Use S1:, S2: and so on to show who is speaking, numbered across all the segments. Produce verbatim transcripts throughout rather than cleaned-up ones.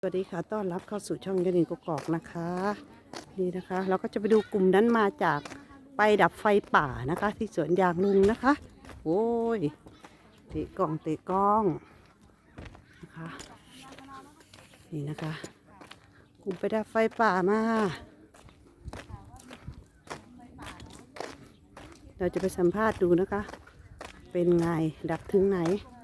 S1: สวัสดีค่ะต้อนรับเข้าสู่ช่องยานิงกกอกนะคะนี่นะคะเราก็จะไปดูกลุ่มนั้นมาจากไปดับไฟป่านะคะ ที่สวนยางลุงนะคะโอ้ยเตะกล้องเตะกล้องนะคะนี่นะคะกลุ่มไปดับไฟป่ามาเราจะไปสัมภาษณ์ดูนะคะ เป็นไงดับถึงไหน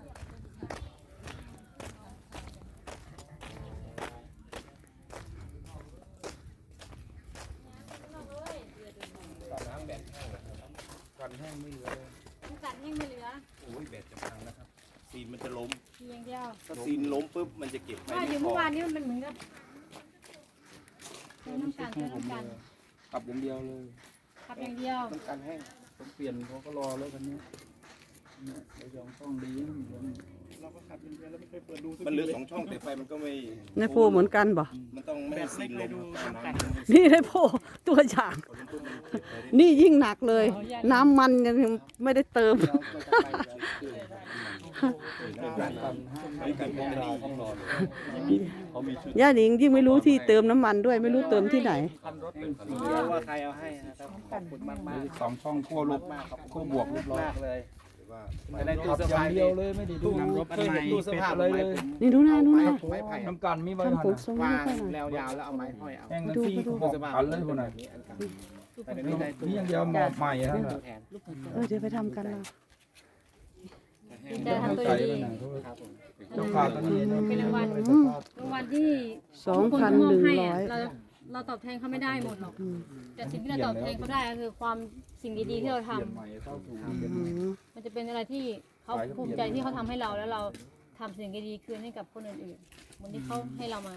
S2: กันแห้งไม่เหลือเลย
S3: กัดแห้งไม่เหลือ
S2: โอ้ยแบตจะพังนะครับ ซีนมันจะล้ม
S3: เพียงเดียว
S2: ถ้าซีนล้มปุ๊บมันจะเก็บไป
S3: ว่าอ
S2: ไม่
S3: ยู่
S2: พ
S3: เมื่
S2: อ
S3: อวานนี้มันเหมือนกับใช้น้ำกันใช้น้ำกัน
S4: ขับอย่างเดียวเลย
S3: ขับอย่างเดียว
S4: ต้องการแห้งต้องเปลี่ยนเขาก็รอแล้วคันนี้เนี่ยเรายองต้องดีเราก็ขับอย่างเดียวแล้วไม่เคยเปิดดู
S2: มันเหลือสองช่องแต่ไฟมันก็ไม่
S1: ในโพเหมือนกันบ่
S2: มันต้องไม่ให้ซีนล้มครับน้ำ
S1: นี่ในโพตัวอย่างนี่ยิ่งหนักเลย น้ำมันยังไม่ได้เติม
S2: ไม่กันพวกนี้ต้องรอเลยเขามีชุด
S1: ย่าหนิงยิ่งไม่รู้ที่เติมน้ำมันด้วยไม่รู้เติมที่ไหน
S4: คันรถเป็นสีเดียวว่าใครเอาให้นะครับขอบคุณมากมากสองช่องขั้วลบขั้วบวกเรียบร้อยเลย
S2: ว่า
S4: ไม่ได้ตู้เสื้อผ้าเดียวเลยไม่ได้ดูเคยเห็นตู้เสื้อผ้าเลยเลย
S1: นี่ดูหน้าดูหน้า
S4: ไม้ไผ่น้ำกันมีไว้
S1: ทำผมทรงนี้
S4: วาง
S1: ค่อยหน่อย
S4: แล้วยาวแล้วเอาไม้ห้อยเอาแห้งนั่นซี่บอกกันเลยคนไหนนี่อย่างเดียวหมอบใหม่ท่าน
S1: เออเดี๋ยวไปทำกันเรา
S3: ดีใจทำตัวดี
S4: เจ้าขาตอนนี้
S3: เป็นรางวัลรางวัลที่
S1: สองพันหนึ่งร้อย
S3: เราเราตอบแทนเขาไม่ได้หมดหรอกแต่สิ่งที่เราตอบแทนเขาได้ก็คือความสิ่งดีๆที่เราทำ
S4: ใหม่เท่าถูก
S3: มันจะเป็นอะไรที่เขาภูมิใจที่เขาทำให้เราแล้วเราทำสิ่งดีๆคืนให้กับคนอื่นๆเหมือนที่เขาให้เรามา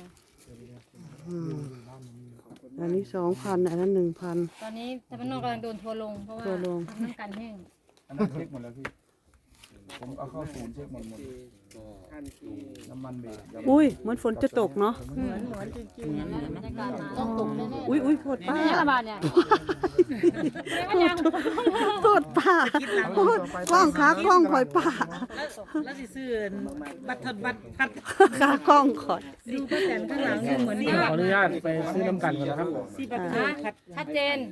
S1: อันนี้สองพันอันนั้นหนึ่งพัน
S3: ตอนนี้แต่พนอกกำลังโดนทัวร์ลงเพราะว่า
S1: ทัวร์ลง
S3: น้ำกันแห้ง
S4: อันนั้นเช็คหมดแล้วพี่ผมเอาเข้าศูนย์เช็คหมดหมดน้ำมันเบรก
S1: อุ้ยเหมือนฝนจะตกเนาะ
S3: เหมือนเหมือนจริงๆแล้วบรรยากาศมาต้องตกแน่ๆ
S1: อุ้ยอุ้ยโทษป้า
S3: นี่ระบาดเนี่ยไม่ยัง
S1: โทษป้าโทษกล้องขากล้องคอยป้า
S5: แล้วสิซื้อบัตรบัตรพัด
S1: ขากล้องคอย
S5: ดูป้าแตนข้างหลังดูเหมือน
S4: ขออนุญาตไปซื้อน้ำกันก่อนนะครับ
S5: สีบัตร
S3: นะ
S5: พัด
S3: ชัดเจน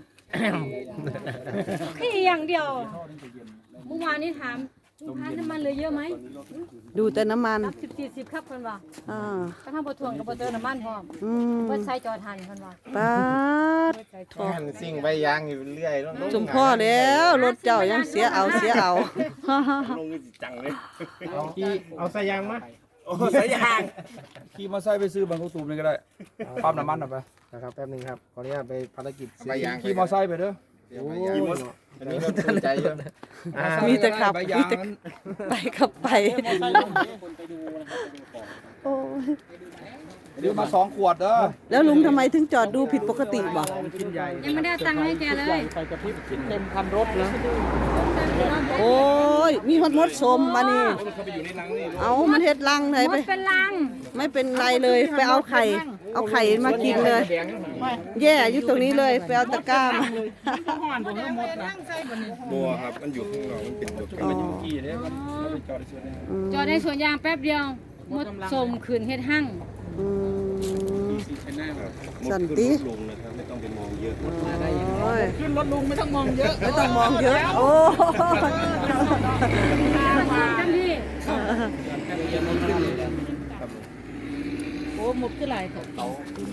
S3: แค่อย่างเดียวเมื่อวานนี้ถามลูกค้าน้ำมันเหลือเยอะไหม
S1: ดูแต่น้ำมัน
S3: รับสิบสี่สิบครับคนว่า
S1: อ่า
S3: ก็ทั้งบททวงกับบทเติมน้ำมันพร้อม
S1: อืม
S3: เบิดใช้จอทันคนว่า
S1: ป้าด
S2: แค่สิ่งใบยางอยู่เรื่อยลง
S1: สมพ่อแล้วรถเจ้ายังเสียเอาเสียเอา
S2: ลงนี่จังเลย
S4: ขี่เอาใส่ยางมา
S2: โอ้สายยาง
S4: ขี่มาใส่ไปซื้อบางกระตูมนี่ก็ได้ปั๊มน้ำมันหน่อยไป
S6: นะครับแป๊บนึงครับขออนุญาตไปภารกิจ
S2: ใบยาง
S4: ขี่มอไซค์ไปเด้อ
S6: โอ้ย
S2: อันนี้เราสนใจเยอะ
S1: มีแต่ขับ
S4: ใบ
S1: มี
S4: ยาง
S1: แต่
S4: นั้น
S1: ไปขับไปโอ้ย
S4: เดี๋ยวมาสองขวดเด้อ
S1: แล้วลุงทำไมถึงจอดดูผิดปกติบ่
S4: ชิ้นใหญ่
S3: ยังไม่ได้ตังค์ให้แกเลย
S4: ไฟกระพริบเต็มคันรถเลย
S1: โอ้ยมีฮอดมดสมมานี่
S2: เขาไปอยู่ในรังนี่
S1: เอามันเฮ็ดรังเลย
S3: หม
S1: ไป
S3: ดเป็นลัง
S1: ไม่เป็นไรเลยไปเอาไข่ เอาไข่มากินเลย แย่อยู่ตรงนี้เลยไปเอาตะกร้ามา
S5: ห่อนผมก็หมดนะ
S2: บัวครับมันอยู่ข้างนอกมันเป็นตัว
S4: มันอยู่กี่เนี่ยมันเราไปจอดในสวนเนี่ย
S3: จอดในสวนยางแป๊บเดียวหมดสมขืนเฮ็ดหั่ง
S1: อืม
S2: ครับ
S1: สันติ
S2: ลงนะครับไม่ต้องไปมองเยอะ
S1: โอ้ย
S5: ขึ้นรถลุงไม่ต้องมองเยอะ
S1: ไม่ต้องมองเยอะ โอ้
S3: เต็มที่
S5: โอ้หมดขึ้นหลายของเขา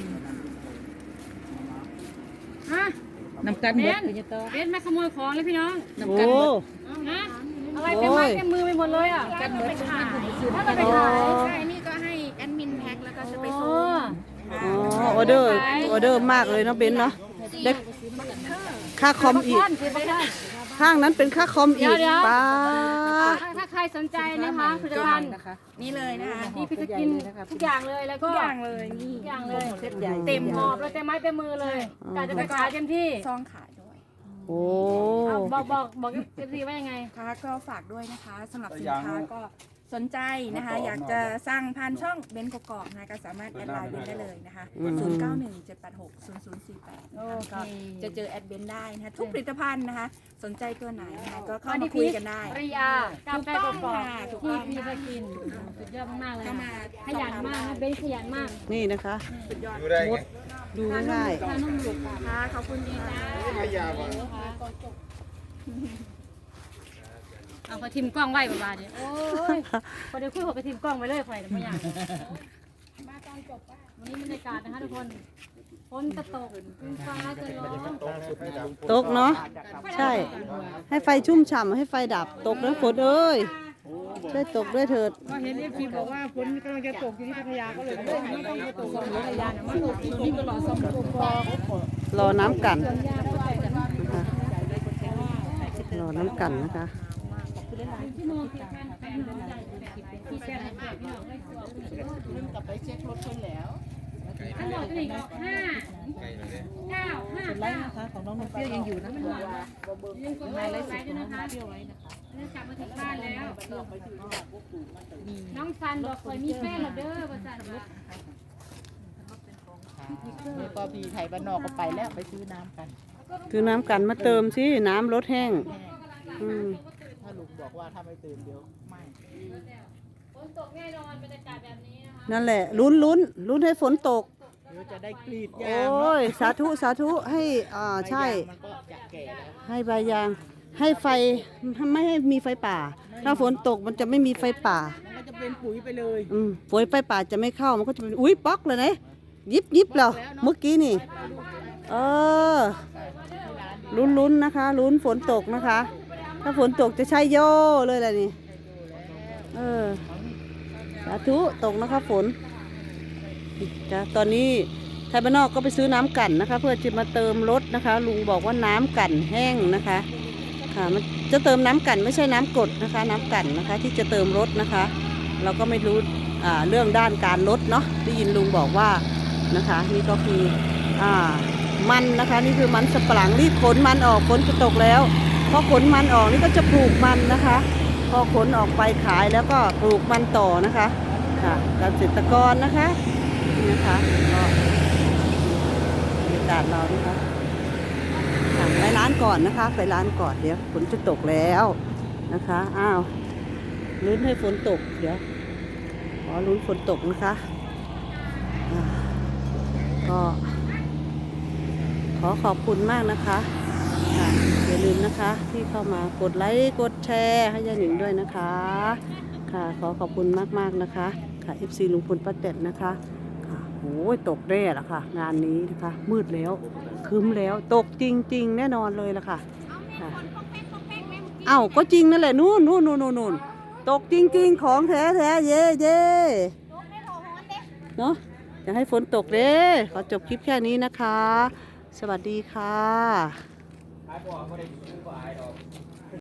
S3: ฮะ
S5: นำกัน
S3: เบ
S5: หมด
S3: นเบนมาขโมยของเลยพี่น้อง
S5: นำ
S1: โอ้
S5: กันหมด
S3: นะอะไรเต็มไม้เต็มมือไปหมดเลยอ่ะ
S5: กันหมด
S3: ถ้าเราไปขาย
S7: ใช่นี่ก็ให้แอดมินแพ็คแล้วก็จะไป
S3: โอ้
S7: ส่ง
S1: อ๋อออเดอร์ออเดอร์มากเลยเนาะเบนเนาะได้ค่าคอมอีก
S3: ท่านสิบไปท่าน
S1: ข้างนั้นเป็นค่าคอมอีก
S3: เดี๋ยวๆ
S1: ป้าด
S3: ถ้าถ้าใครสนใจนะคะผลิตภัณฑ์
S7: นี่เลยนะคะ
S3: นี่พี่จะกินทุกอย่างเลยแล้วก็
S7: ทุกอย่างเลยนี่
S3: ทุกอย่างเลย
S5: เซ็ตใหญ่
S3: เต็มหอบเลยเต็มไม้เต็มมือเลยกะจะไปขายเต็มที่
S7: ซองขายด้วย
S1: โอ้
S3: เอาบอกบอกบอกเอฟซีว่ายังไง
S7: ค่ะก็ฝากด้วยนะคะสำหรับสินค้าก็สนใจนะคะ อยากจะสั่งผ่านช่องเบนกกอกนะคะก็สามารถแอดไลน์เบนได้เลยนะคะ
S1: อืม
S7: ศูนย์ เก้า หนึ่ง เจ็ด แปด หก ศูนย์ ศูนย์ สี่ แปด
S3: โอ
S7: นะคะ
S3: เค
S7: ก็จะเจอแอดเบนได้นะคะทุกผลิตภัณฑ์นะคะ สนใจตัวไหนนะคะก็เข้า
S3: อันนี้
S7: มาคุยกันได้
S3: ปริยากาแฟกรอบ
S7: ถูก
S3: ที่
S7: ต้อง
S3: มี
S7: ค่ะ
S3: สกินสุดยอดมากๆเลย
S7: เข้ามา
S3: ขยันมากนะเบนขยันมาก
S1: นี่นะคะ
S6: ดูได้ไง
S1: ดูง่าย
S3: ทานนุ่มหลุด
S7: ค่ะขอบคุณดีนะ
S6: ไม่ยาวอ่ะ
S3: เอาพอทิมกล้องไว้ประมาณนี้โอ้ยพอเดี๋ยวคุยหัวไปทิมกล้องไว้เลยไฟแต่ไม่อยากวันนี้บรรยากาศนะคะทุกคนฝนจะตกฟ้าจะร้อง
S1: ๆตกเนาะใช่ ให้ไฟชุ่มฉ่ำให้ไฟดับตกนะฝนเอ้ยช่วยตกด้วยเถิด
S5: ก็เห็นเอฟซีบอกว่าฝนกำลังจะตกอยู่ที่พัทยาก็เลยไม่ไม่ต้องไปตกที่พัทยานะมาตกที่นี่ก็รอสมบูรณ์
S1: รอน้ำกันนะคะรอน้ำกันนะคะ
S3: ที่โมงที่การแฟนใหญ่ที่แฟนให้พี่น้องได้ตัวกลับไปเช็ครถเพิ่นแล้วทั้งหมดเป็นอีกห้าเก้าห้า
S5: ไลฟ์นะคะของน้องนมเปรี้ยวยังอยู่นะ
S3: มันหวานยังกดไลค์ไว้ด้วยนะคะเปรี้ยวไว้นะคะเนื่องจากมาถึงบ้านแล้ว น้องซันบอกเคยมีแฟนแล้วเด้อประสานว่า
S5: นี่ก็พี่ไทยบ้านนอกก็ไปแล้วไปซื้อน้ำกัน
S1: คือน้ำกันมาเติมสิน้ำลดแห้งอืม
S5: ถ้าลุงบอกว่าถ้าไม่เติมเดี๋ยวไม่
S3: ฝนตกแน่นอนบรรยากาศแบบนี้นะคะ
S1: นั่นแหละลุ้นลุ้นลุ้นให้ฝนตก
S5: เดี๋ยวจะได้กรีด
S1: โอย
S5: างเนาะ
S1: ้ยสาธุสาธุให้อ่าใช่
S5: มันก็จะแก่แล้ว
S1: ให้ใบยางให้ไฟไม่ให้มีไฟป่า ถ้าฝนตกมันจะไม่มีไฟป่า
S5: มันก็จะเป็นปุ๋ยไปเลย
S1: อืมฝนไฟป่าจะไม่เข้ามันก็จะเป็นอุ้ยป๊อกเลยนะยิบยิบแล้วเมื่อกี้นี่ เออลุ้นลุ้นนะคะลุ้นฝนตกนะคะ ถ้าฝนตกจะใช่โย่เลยแหละนี่เออสาธุตกนะคะฝนจ้ะตอนนี้ไทยบ้านนอกก็ไปซื้อน้ำกั่นนะคะ เพื่อจะมาเติมรถนะคะ ลุงบอกว่าน้ำกั่นแห้งนะคะค่ะมันจะเติมน้ำกั่นไม่ใช่น้ำกรดนะคะ น้ำกั่นนะคะ ที่จะเติมรถนะคะ เราก็ไม่รู้อ่าเรื่องด้านการลดเนาะได้ยินลุงบอกว่านะคะ นี่ก็คืออ่ามันนะคะนี่คือมันสับปะหลังรีบขนมันออกฝนจะตกแล้วพอขนมันออกนี่ก็จะปลูกมันนะคะ พอขนออกไปขายแล้วก็ปลูกมันต่อนะคะค่ะเกษตรกรนะคะนี่นะคะก็บรรยากาศเรานะคะค่ะไปร้านก่อนนะคะ ไปร้านก่อนเดี๋ยวฝนจะตกแล้วนะคะอ้าวลุ้นให้ฝนตกเดี๋ยวขอลุ้นฝนตกนะคะอ่าก็ขอขอบคุณมากนะคะค่ะอย่าลืมนะคะที่เข้ามากดไลค์กดแชร์ให้ยายหนิงด้วยนะคะค่ะขอขอบคุณมากๆนะคะค่ะ เอฟ ซี ลุงพลป้าแตนนะคะค่ะโอ้ยตกแน่ละค่ะ งานนี้นะคะมืดแล้วครึ้มแล้วตกจริงๆแน่นอนเลยละค่ะค่ะเอ้าก็จริงนั่นแหละนู่นนู่นนู่นนู่นตกจริงๆของแท้แท้เย่เย่เนาะอยากให้ฝนตกเด้ขอจบคลิปแค่นี้นะคะ สวัสดีค่ะ